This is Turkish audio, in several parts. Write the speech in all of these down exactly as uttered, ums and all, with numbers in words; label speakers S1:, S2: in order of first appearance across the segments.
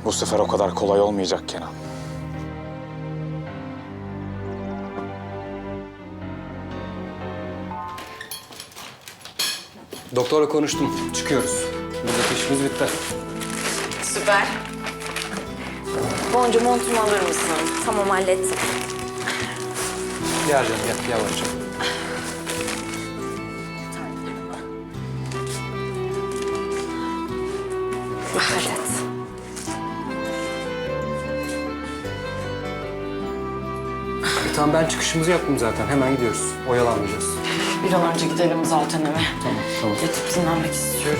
S1: Bu sefer o kadar kolay olmayacak Kenan.
S2: Doktorla konuştum. Çıkıyoruz. Buradaki işimiz bitti.
S3: Süper. Boncu montumu alır mısın? Tamam, hallettim.
S2: Gel canım gel yavaşça.
S3: Hallet.
S2: E, tamam ben çıkışımızı yaptım zaten. Hemen gidiyoruz. Oyalanmayacağız.
S3: Bir an önce gidelim zaten eve.
S2: Tamam tamam.
S3: Yatıp dinlenmek istiyorum.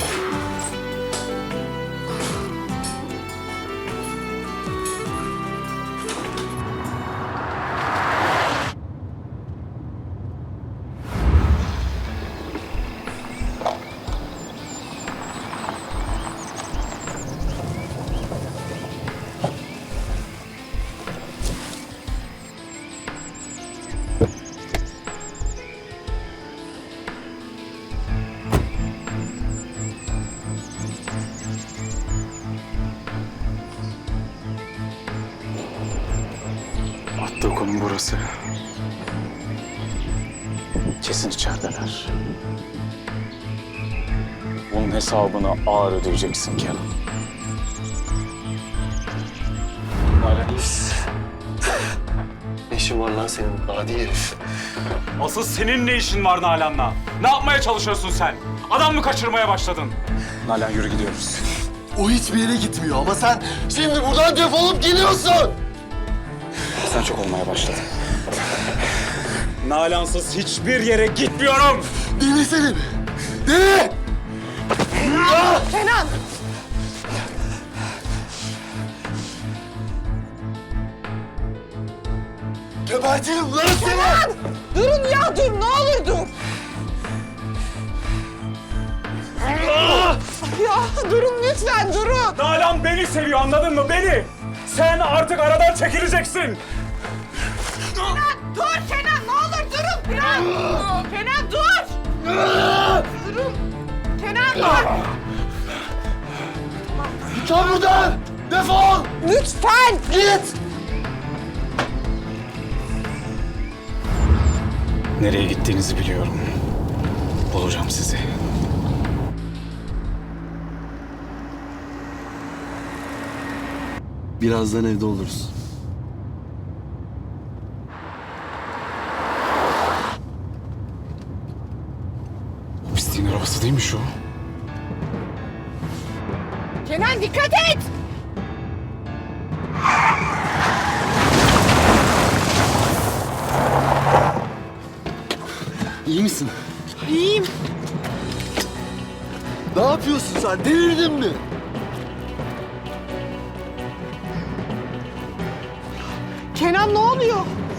S1: Attığı konum burası. Kesin içerideler. Bunun hesabını ağır ödeyeceksin Kenan.
S4: Nalan iyi misin? Ne işin var lan senin adi herif?
S1: Asıl senin ne işin var Nalan'la? Ne yapmaya çalışıyorsun sen? Adam mı kaçırmaya başladın? Nalan yürü gidiyoruz.
S4: O hiçbir yere gitmiyor ama sen şimdi buradan defolup gidiyorsun.
S1: Sen çok olmaya başladın. Nalan'sız hiçbir yere gitmiyorum.
S4: Deli senin. Deli! Ah!
S3: Kenan!
S4: Gebertirim lan seni!
S3: Durun ya, dur. Ne olur dur. Ya durun lütfen, durun.
S1: Nalan beni seviyor, anladın mı? Beni. Sen artık aradan çekileceksin.
S3: Dur Kenan, ne olur durun biraz. Kenan dur. Durun. Kenan dur.
S4: Çık buradan! Defol!
S3: Lütfen.
S4: Git!
S1: Nereye gittiğinizi biliyorum. Bulacağım sizi.
S4: Birazdan evde oluruz.
S1: O pisliğin arabası değil mi şu?
S3: Kenan dikkat et.
S4: İyi misin?
S3: İyiyim.
S4: Ne yapıyorsun sen? Delirdin mi?
S3: Kenan ne oluyor?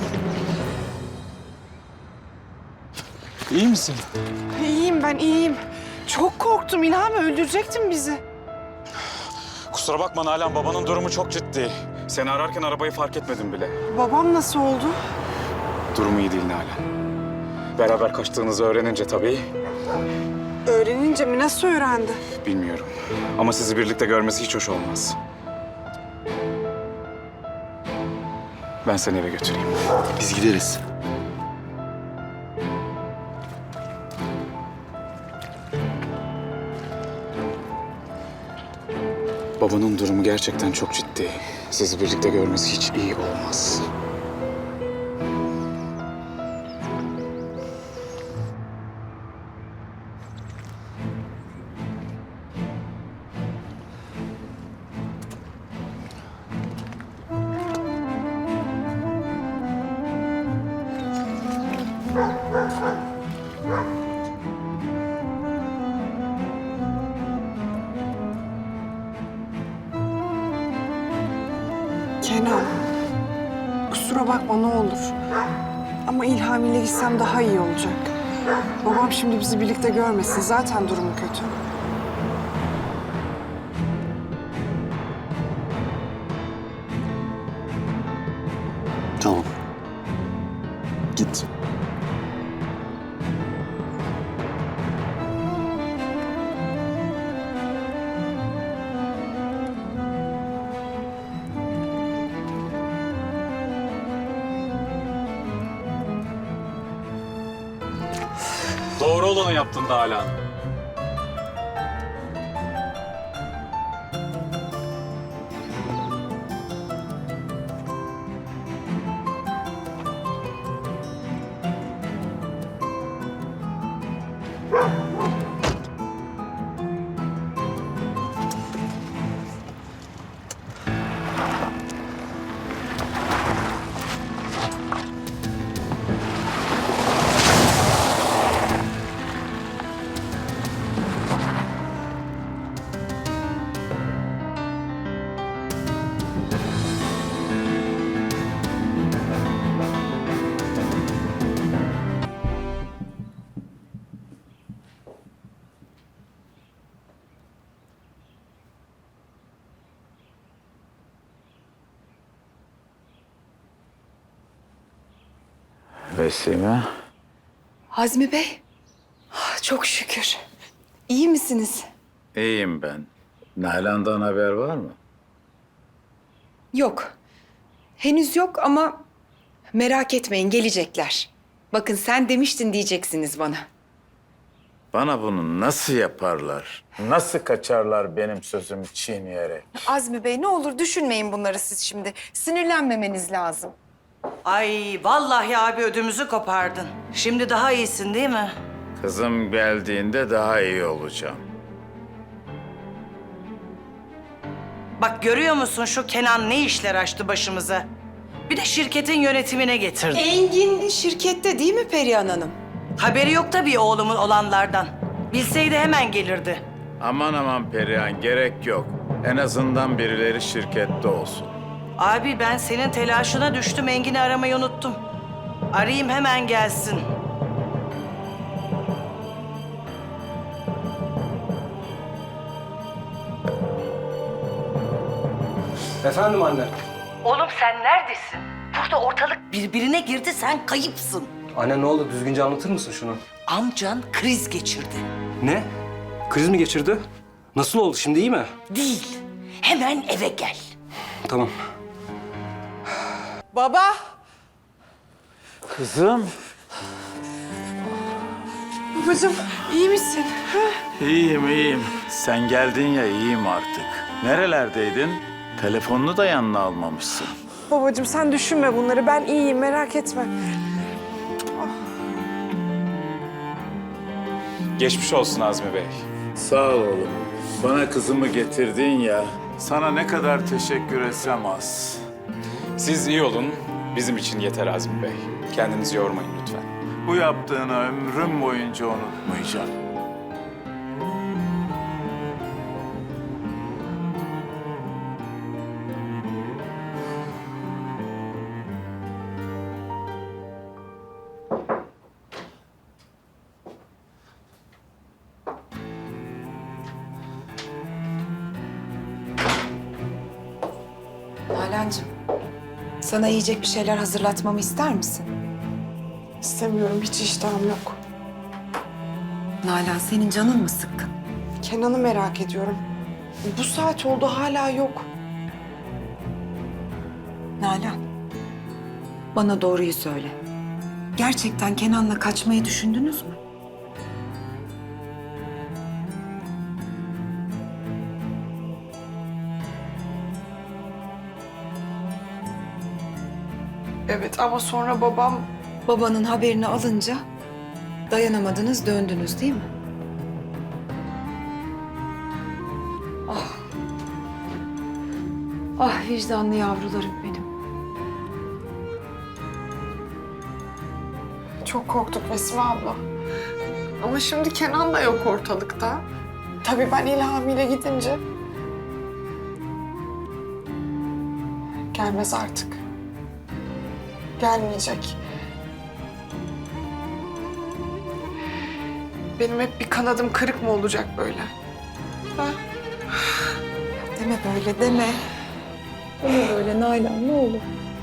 S1: İyi misin?
S5: İyiyim ben, iyiyim. Çok korktum İlham, öldürecektin bizi.
S1: Kusura bakma Nalan, babanın durumu çok ciddi. Seni ararken arabayı fark etmedim bile.
S5: Babam nasıl oldu?
S1: Durumu iyi değil Nalan. Beraber kaçtığınızı öğrenince tabii
S5: Öğrenince mi, nasıl öğrendi?
S1: bilmiyorum. Ama sizi birlikte görmesi hiç hoş olmaz. Ben seni eve götüreyim.
S4: Biz gideriz.
S1: Babanın durumu gerçekten çok ciddi. Sizi birlikte görmesi hiç iyi olmaz.
S5: Kenan, kusura bakma ne olur. Ama İlham ile gitsem daha iyi olacak. Babam şimdi bizi birlikte görmesin, zaten durumu kötü.
S4: Tamam. Git.
S1: Doğru olanı yaptın Nalan.
S6: Vesime.
S5: Azmi Bey, ah, çok şükür. İyi misiniz?
S6: İyiyim ben. Nalan'dan haber var mı?
S7: Yok. Henüz yok ama merak etmeyin gelecekler. Bakın sen demiştin diyeceksiniz bana.
S6: Bana bunu nasıl yaparlar? Nasıl kaçarlar benim sözümü çiğneyerek?
S7: Azmi Bey ne olur düşünmeyin bunları siz şimdi. Sinirlenmemeniz lazım.
S8: Ay vallahi abi ödümüzü kopardın. Şimdi daha iyisin değil mi?
S6: Kızım geldiğinde daha iyi olacağım.
S8: Bak görüyor musun şu Kenan ne işler açtı başımıza? Bir de şirketin yönetimine getirdi.
S7: Engin şirkette değil mi Perihan Hanım?
S8: Haberi yok tabii oğlumun olanlardan. Bilseydi hemen gelirdi.
S6: Aman aman Perihan, gerek yok. En azından birileri şirkette olsun.
S8: Abi ben senin telaşına düştüm, Engin'i aramayı unuttum. Arayayım hemen gelsin.
S2: Efendim anne.
S8: Oğlum sen neredesin? Burada ortalık birbirine girdi, sen kayıpsın.
S2: Anne ne oldu? Düzgünce anlatır mısın şunu?
S8: Amcan kriz geçirdi.
S2: Ne? Kriz mi geçirdi? Nasıl oldu? Şimdi iyi mi?
S8: Değil, hemen eve gel.
S2: Tamam.
S3: Baba.
S6: Kızım.
S5: Babacığım, iyi misin?
S6: İyiyim, iyiyim. Sen geldin ya, iyiyim artık. Nerelerdeydin? Telefonunu da yanına almamışsın.
S5: Babacığım sen düşünme bunları. Ben iyiyim, merak etme.
S1: Geçmiş olsun Azmi Bey.
S6: Sağ ol oğlum. Bana kızımı getirdin ya. Sana ne kadar teşekkür etsem az.
S1: Siz iyi olun. Bizim için yeter Azmi Bey. Kendinizi yormayın lütfen.
S6: Bu yaptığını ömrüm boyunca unutmayacağım.
S7: Nalan'cığım, sana yiyecek bir şeyler hazırlatmamı ister misin?
S5: İstemiyorum, hiç iştahım yok.
S7: Nalan, senin canın mı sıkkın?
S5: Kenan'ı merak ediyorum. Bu saat oldu, hala yok.
S7: Nalan, bana doğruyu söyle. Gerçekten Kenan'la kaçmayı düşündünüz mü?
S5: Evet ama sonra babam...
S7: Babanın haberini alınca dayanamadınız, döndünüz değil mi? Ah. Ah vicdanlı yavrularım benim.
S5: Çok korktuk Vesime abla. Ama şimdi Kenan da yok ortalıkta. Tabii ben İlhami'yle gidince... Gelmez artık. Gelmeyecek. Benim hep bir kanadım kırık mı olacak böyle? Ha?
S7: Deme böyle, deme. Deme böyle Nalan, ne olur.